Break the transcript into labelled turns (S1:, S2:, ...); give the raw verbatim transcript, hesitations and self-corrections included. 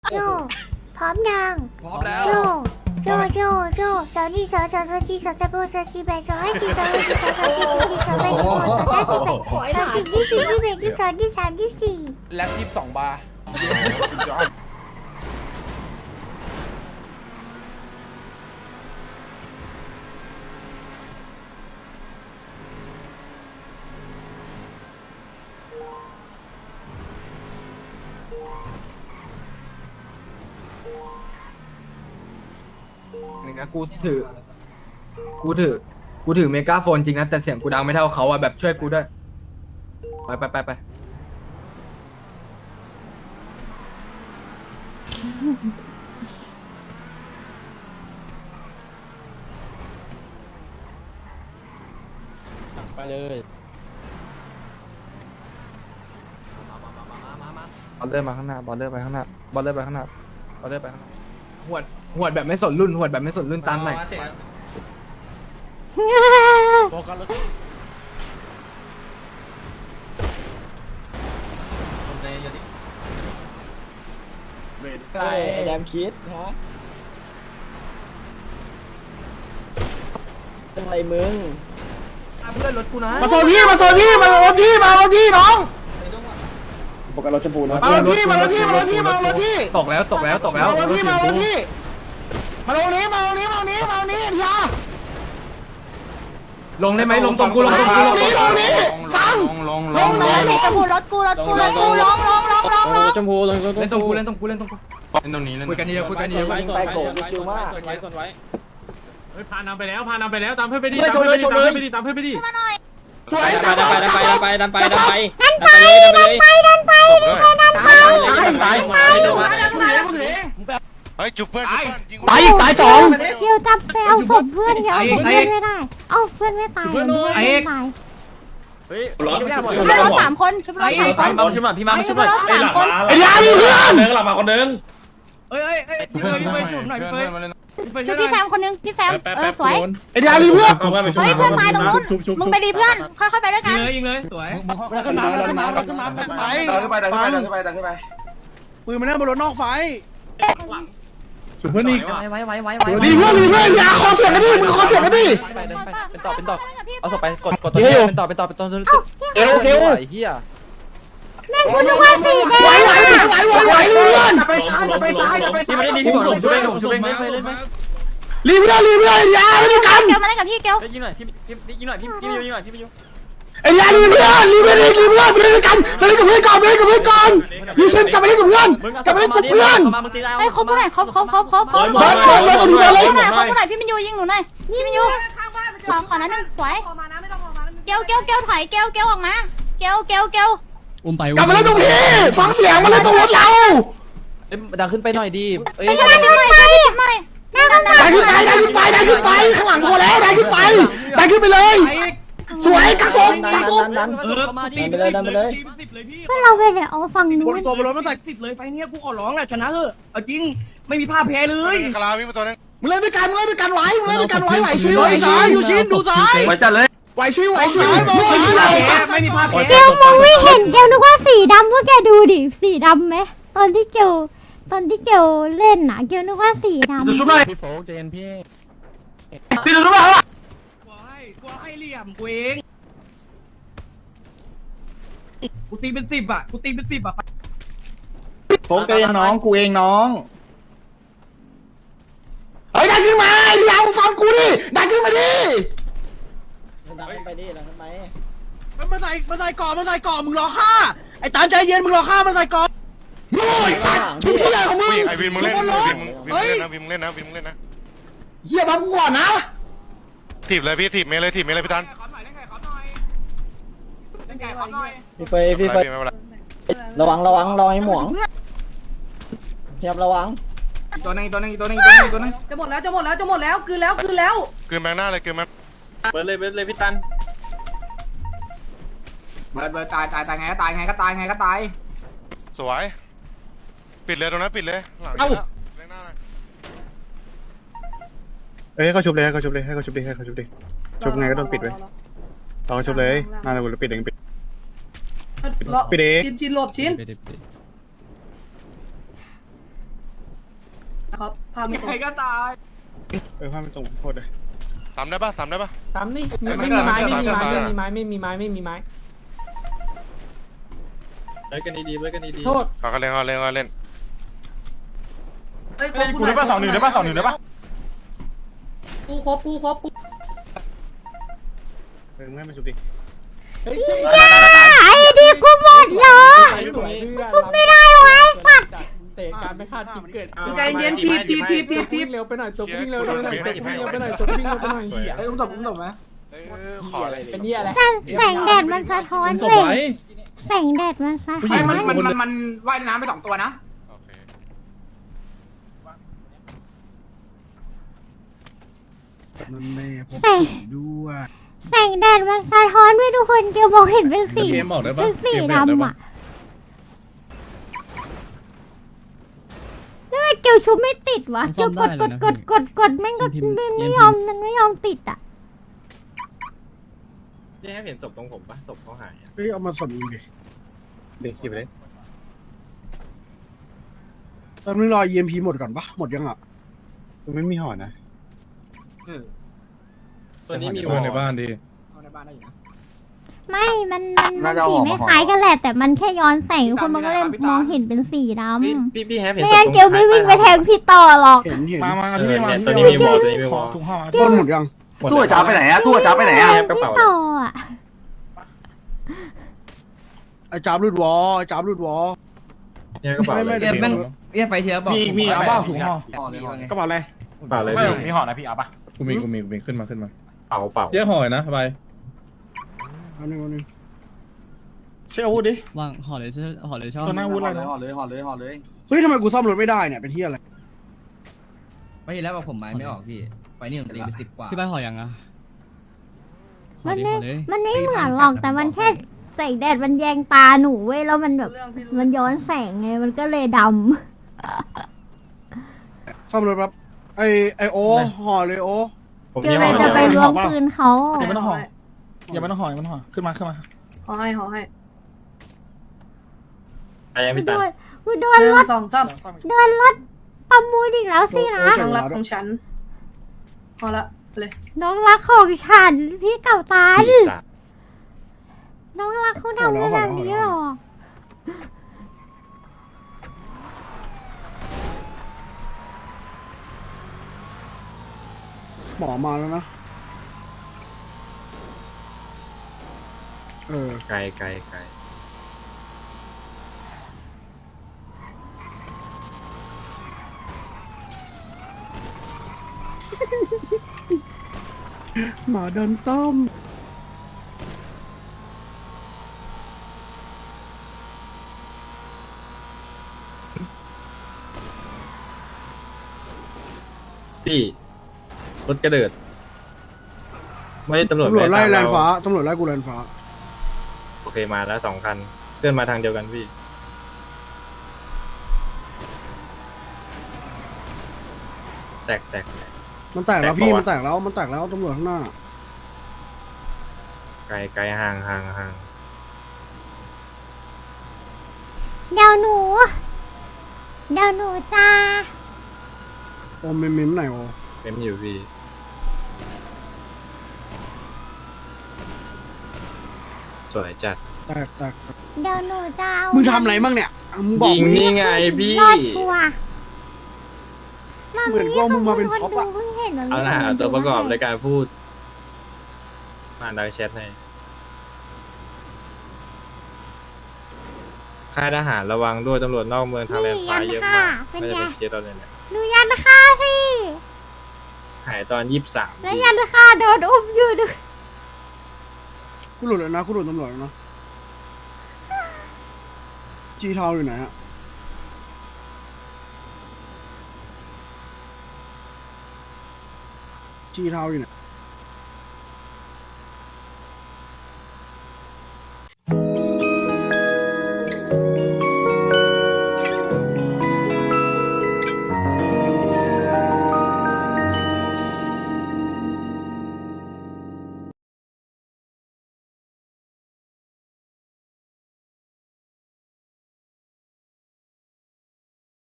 S1: โจพร้อมยัง
S2: พร้อมแล้ว
S1: โจโจโจโจสาวนี่สาวสาวสาวจีสาวตะโบสาวจีแบสาวให้จีสาวให้จีสาวสาวจีสาวจีสาวแบสาวสาวจีแบสาวจีที่สี่ที่แบที่สองที่สามที่สี่
S2: แล็บยี่สิบสองบาร์
S3: นี่นะกูถือ กูถือ กูถือเมกาโฟนจริงนะแต่เสียงกูดังไม่เท่าเขาอะแบบช่วยกูด้วย ไปไปไปไป
S4: ไปเลย
S5: บอลเลอร์มาข้างหน้าบอลเลอร์ไปข้างหน้าบอลเลอร์ไปข้างหน้าบอลเลอร์ไปข้างหน้า
S3: หวดหวดแบบไม่สนรุ่นหวดแบบไม่สนรุ่นตามหน่อย
S4: โฟกัสรถ
S6: ไอ้แดมคิดฮะเป็นไรมึง
S3: เพื่อนรถกูนะ
S5: มาโซนพี่มาโซนพี่มารถพี่มารถพี่น้อง
S7: ปกติรถชมพูนะ
S5: มารถพี่มารถพี่มารถพี่มารถพี่
S3: ตกแล้วตกแล้วตกแล้ว
S5: มารถพี่มารถพี่มาลงนี้มาลงนี้มาลงนี้มาลงนี้ทีละ
S3: ลงได้ไหมลงตรงกูลงตรง
S5: มา
S3: กู
S5: ล
S3: ล
S5: ง
S3: ง
S5: นี้ลงนี้ฟังลงลงลง
S1: จะพูดรถกูรถกูรถกูลงลงลงลงลง
S4: ชมพูลง
S3: เล่นตรงกูเล่นตรงกูเล่นตรงกู
S5: เล่นตรงนี้เล่น
S3: คุยกันเยอะคุยกันเยอะ
S6: ไปโกงชิวมาก
S4: ส่วนไว้ส่วนไว้
S8: เฮ้ยพานำไปแล้วพานำไปแล้วตามเพื่อนไปดิตามเพื่อนไปดิตามเพื่อนไปดิตามเพื่อนไปดิ
S1: มาหน่อย
S5: สวย
S4: ดั
S5: จั
S4: น
S5: ง
S4: ไปดันไปดันไปดันไปดันไป
S1: ดันไปดันไปดันไป
S4: ตายมาไม่โดนมา
S9: เฮ้ยจุบเพื่อนจุบเพื่อนยิง
S5: ตายอีกตายสอง
S1: เกี่ยวจับไปเอาศพเพื่อนเดี๋ยวเอาเพื่อนไม่ได้เอาเพื่อนไม่ตายเพื่อนไม่ตาย
S4: เฮ้ย
S1: ชุบรถสามคนชุบรถสามคน
S4: เอาชิมหน่อยพี่มา
S1: ชุบรถสามคน
S5: ไอ้ยาดิเพื่อน
S8: เดินหลับมาคนเดิน
S2: เอ้ยเอ้ยเอ้ยพี่เฟยพี่เฟยชุบหน่อยพี่เฟยพี่เฟย
S1: ชุ
S2: ช่
S1: บ
S2: วยหน่
S1: พี่
S2: อย
S1: แซมคนนึงพี่แซมเออสวย
S5: ไอ้ยาดิเพื่อน
S1: เฮ้ยเพื่อนตายตรงนู้นมึงไปดีเพื่อนค่อยๆไปด้วย
S2: ยิ
S1: กั
S2: ง
S1: น
S2: เลยยิงเลยสวย
S7: ดันมาดันมาดันมาดันมาดันขึ้นไปดันขึ้นไปดันขึ้นไปดันขึ้นไปปืนมันนั่งบนรถนอกไฟ
S8: ชุบเพื่อนอีก
S4: ไว้ไว้ไว้ไว้ไว้
S5: ดีเพื่อนดีเพื่อนอย่าคอเสียงกันดิมึงคอเสียงกันดิ
S4: เป็นต่อเป็นต่อเอาศพไปกดกดตัวนี้เป็นต่อเป็นต่อเป็นต่อเอวเอวไอ้เหี้ย
S1: แม่คุณนึกว่าสีแด
S5: ไหว
S1: ง
S5: ไหวไหวไหวไหวเพื่อน
S7: ไปช้าไปช้าไป
S4: ที่
S7: ช้า
S4: ไม่ได้ดีพี่ผมช่วยผมช่วยไม่เคยเล่นไหม
S5: รีเพื่อนรีเพื่อนยาไม่กัน
S1: เกลมาเล่นกับพี่เกล
S4: ยิงหน่อยพี่ยิงหน่อยพี่พี่ยิงหน่อยพี่ยิง
S5: ไอ้ยารีเพื่อนรีเพื่อนรีเพื่อนไปเล่นกันไปเล่นกับเพื่อนก่อนไปเล่นกับเพื่อนก่อนยูเซนกลับไปเล่นกับเพื่อนกลับไปเล่นกับเพื่อน
S1: ไอ้ครบกูหน่อยครบครบครบครบครบ
S5: เบิร์ดเบิร์ดเบิร์ดตัวนี้มาเลย
S1: กูหน่อยครบกูหน่อยพี่มินยูยิงหนูหน่อยพี่มินยูขอขอนั้นนึงสวยเกลเกลเกลถอยเกลเกลออกมาเกลเกลเกล
S8: อุ้มไป
S5: กลับมาเล่นตรงพี่ฟังเสียงมาเล่นตรงรถเรา
S4: ดังขึ้นไปหน่อยดีเอ้ย
S1: ไม่ใช่ไม่ใช่ไม่ใช่นั่งนั่ง
S5: ได้ขึ้นไปได้ขึ้นไปได้ขึ้นไปข้างหลังพอแล้วได้ขึ้นไปได้ขึ้นไปเลยสวยกักศพกักศพ
S6: ดัน
S2: เออตีไปเลยตีไปสิบเลยพี่
S1: เพื่อนเราไปเดี๋ยวเอาฝั่งนู้
S2: บ
S1: น
S2: นตัวบนรถมันใส่สิบเลยไฟเนี้ยกูขอร้องแหละชนะเถอะเอาจริงไม่มีภาพแพ้เลย
S9: คาราวิ่งมาตัวนึง
S5: มึงเล่นด้วยกันมึงเล่นด้วยกันไหวมึงเล่นด้วยกันไหวไหวชิวไหวชิว
S2: อยู่ชินดูซ้าย
S5: ไหวจัดเลยไหวชิวไหวชิวไหวชิว
S2: ไม่มีภาพ
S1: เกลมองไม่เห็นเกลนึกว่าสีดำพวกแกดูดิสีดำไหมตอนที่เกลตอนที่เกลเล่นน่ะเกลนึกว่าสีดำ
S5: ดูชุบหน่อย
S8: พี่โฟกเจนพี่
S5: พี่ดูชุบหน่อย
S2: กูให้กูให้เหลี่ยมกูเองกูตีเป็นสิบอ่ะกูตีเป็นสิบอ่ะ
S7: โฟกเองน้องกูเองน้อง
S5: เฮ้ยดันขึ้นมาพี่ยาวฟังกูดิดันขึ้นมาดิ
S6: ดันขึ้นไปดิดันขึ้นไป
S2: มันมาใส่มาใส่ก่อนมาใส่ก่อนมึงรอฆ่าไอ้ตาใจเย็นมึงรอฆ่ามันใส่ก่อน
S5: โง่ไอ้สัตว์ทุกที่เลยของมึง
S9: วิ่งไอวินมึงเล่นวินมึงวินมึงเล่นนะวินมึงเล่นนะวินมึงเล่นนะ
S5: เฮียบังกูก่อนนะ
S9: ถีบเลยพี่ถีบเมย์เลยถีบเมย์เลยพี่ตัน
S6: พี่เฟยพี่เฟยระวังระวังระวังให้หมวงพยายามระวัง
S3: ตัวนึงตัวนึงตัวนึงตัวนึงตัวนึง
S2: จะหมดแล้วจะหมดแล้วจะหมดแล้วคืนแล้วคืนแล้ว
S9: คืนแมงหน้าเลยคืนแมง
S4: เบิร์ดเลยเบิร์ดเลยพี่ตัน
S3: เบิร์ดเบิร์ดตายตายตายไงก็ตายไงก็ตายไงก็ตาย
S9: สวยปิดเลยตรงนั้นปิดเลยหลังนี้แมงหน้าเลย
S5: เอ้ยให้เขาชุบเลยให้เขาชุบเลยให้เขาชุบดิให้เขาชุบดิชุบไงก็โดนปิดไว้ต่อชุบเลยน่าจะปิดเองปิดปิดเอง
S2: ชินชินหลบชินครับพามึง
S3: ใครก็ตาย
S7: เออพาไปตรงโคตรเลย
S9: ซ้ำได้ปะซ้ำได้ปะ
S8: ตามนี่ไม่มีไม้ไม่มีไม้ไม่มีไม้ไม่มีไม้ไม่มีไม้
S4: เล่นกันดีๆเล่นกันดีๆ
S8: โทษ
S9: เขาก็เล่นเขาเล่นเขาเล่น
S2: เฮ้ย
S7: กูได้ป่ะสองหนึ่งได้ป่ะสองหนึ่งได้ป่ะ
S2: กูครบกูครบกู
S7: เออมึงให้มันชุบดิ
S8: เฮ้ย
S1: ไอ้ดีกูหมดเหรอ ชุบไม่ได้วะไอ้สัตว์
S8: เตะการไม่คาดคิดเกิด
S2: ใจเย็นทีบทีบทีบทีบที
S8: วิ่
S2: บ
S8: งเร็วไปหน่อยตัววิ่งเร็วไปหน่อยตัววิ่งเร็วไปหน่อยตัววิ่งเร็วไปหน่อย
S3: เอ้ยอุ้มตบอุ้มตบไหม
S9: เออขออะไร
S8: เป็นนี่อะไร
S1: แสงแสงแดดมันสะท้อนเว้ยแสงแดดมันสะท้อน
S3: มันมันมันมันว่ายน้ำไปสองตัวนะ
S9: โอเค
S7: มันแม่พบด้วย
S1: แสงแดดมันสะท้อนเว้ยทุกคนเกียวมองเห็นเป็นสีเป็นสีดำอ่ะแล้วทำไมเกียวชุบไม่ติดวะเกียวกดกดกดกดกดแม่งก็ไม่ไม่ยอมมันไม่ยอมติดอ่ะ
S4: พี่ให้เห็นศพตรงผมปะศพเขาหาย
S7: เฮ้ยเอามาสดมึงดิ
S4: เด็กขี่ไปเลย
S7: ตอนนี้รอ อี เอ็ม พี หมดก่อนปะหมดยังอ่ะ
S5: ไม่มีห่อนะ
S4: ตัวนี้มี
S5: ห่อในบ้านดิ
S3: เอาในบ้านได้อยู่นะ
S1: ไม่มันมันมันสีไม่คล้ายกันแหละแต่มันแค่ย้อนแสงทุกคนมันก็เลยมองเห็นเป็นสีดำ
S4: พี่พี่พี่แฮปเห็น
S1: ไม่
S4: ศพ
S1: งั้น
S4: ตรง
S1: เกียวไม่วิ่งไปแทงพี่ต่อหรอก
S7: เห็นเห็น
S5: มามา
S4: เอ
S5: ที่
S4: อ
S5: นี่มา
S4: เนี่ย
S5: ที่
S4: ตัว
S5: นี่
S4: นี้มีหมดตัวนี้มีหมด
S5: ถุงห่อ
S7: ต้นหมดยัง
S5: ตู้จ้าไปไหนอะตู้จ้าไปไหนอะ
S4: กระ
S1: พี่
S4: เป๋า
S1: ต่ออ่ะ
S7: ไอ้จับรุดวอไอ้จับรุดวอ
S4: เนี่ยกระเป๋า
S7: ไม่
S4: เล
S7: ไม่
S4: ย
S7: เดี๋ยวมัน
S3: เรียกไปเทียบบอก
S5: มีมีเอาเปล่าถุงห่อ
S3: ห่อเลยว่าไง
S5: กระเป๋าอะไร
S4: กระเป๋าเลย
S5: ไม่
S4: พี่
S5: มีห่อนะพี่เอาปะ
S10: กูมีกูมีกูมีขึ้นมาขึ้นมา
S4: เป๋าเป๋า
S10: เยอะห่อยนะไป
S7: อันนึงอันนึง
S5: เชื่ออาวุธดิ
S11: วางห่อเลยช่ห่อเลยชอบ
S5: ตัวหน้าอาวุธอะไรนะ
S3: ห่อเลยห่อเลยห่อเลย
S7: เฮ้ยทำไมกูซ่อมรถไม่ได้เนี่ยเป็นที่อะไร
S3: ไม่เห็นแล้วบอกผมไม้ไม่ออกพี่ไปนี่ผมตีไปสิบกว่า
S11: พี่ใบห่อยังอะห่อ
S1: มัน
S11: ดิ
S1: ไม่
S11: ห่อเลย
S1: มันไม่เหมือนหรอกแต่มันแค่แสงแดดมันแยงตาหนูเว้ยแล้วมันแบบมันย้อนแสงไงมันก็เลยด
S7: ซ่อมรถแป๊บไอไอโอห่อเลยโอ
S4: ผม
S1: ำเกียว
S4: ยี่
S1: เล
S4: ห้อย
S1: จะไปล้วงปืนเขา
S5: อย่าไม่ต้องห่ออย่าไม่ต้องห่ออย่าไม่ต้องห่อขึ้นมาขึ้นมา
S2: ขอให้ขอให้
S4: ไอ้ยัง
S1: กู
S4: ไม่
S1: โด
S4: ตัด
S1: นกูโด
S2: ห
S1: น
S2: นึ่
S1: รง ถ
S2: สองสาม
S1: โดนรถประมูลอีกแล้วสินะ
S2: น้องรักของฉันพอละเลย
S1: น้องรักของฉันพี่เก่าตาล
S4: สี่สาม
S1: น้องรักเขาทำขนาดนี้หรอ
S7: หมอมาแล้วนะเออ
S4: ไกลไกลไกล
S7: หมาโดนต้ม
S4: พี่รถกระเดิดไม่ได้ตำรวจ
S7: ตำรวจไล่
S4: ม่
S7: แล
S4: ด้
S7: น
S4: ตาม
S7: ฟ้า
S4: เร
S7: ตำรวจไล่กูแลนฟ้า
S4: โอเคมาแล้วสองคันเคลื่อนมาทางเดียวกันพี่แตกแตกแตก
S7: มันแตกแล้วพี่
S4: แตกปะวะ
S7: มันแตกแล้วมันแตกแล้วตำรวจข้างหน้า
S4: ไกลไกลห่างห่างห่าง
S1: เดี๋ยวหนู เดี๋ยวหนูจ้า
S7: โอมเมมเมมไหนโอ
S4: เต็มอยู่พี่สวยจัด
S7: แตกแตก
S1: เดี๋ยวหนูจะเอา
S7: มึงทำอะไรบ้างเนี่ยอ่ะมึงบอก
S4: ยิง
S7: มึง
S4: นี่ไงพี่
S1: รอดชัวร์มา
S7: เหมือนว่ามึงมาเป็น
S1: คน
S7: พ็อป
S1: ดู
S7: อะ
S1: เพิ่งเห็นมัน
S4: เอาหน้าตัวประกอบในการพูดอ่านดาวแชทให้ค่ายทหารระวังด้วยตำรวจนอกเมืองทางแลนฟ้าเยอะมาก
S1: เป็น
S4: ไม่
S1: ไง
S4: ได้เป็นเคสเราเลยเนี่ย
S1: ดูยันค่าสิ
S4: หายตอนยี่สิบสาม
S1: แล้วยันค่าโดนอุ้มอยู่ดู
S7: กูหลุดแล้วนะกูหลุดตำรวจแล้วนะจีเทาอยู่ไหนฮะจีเทาอยู่ไหน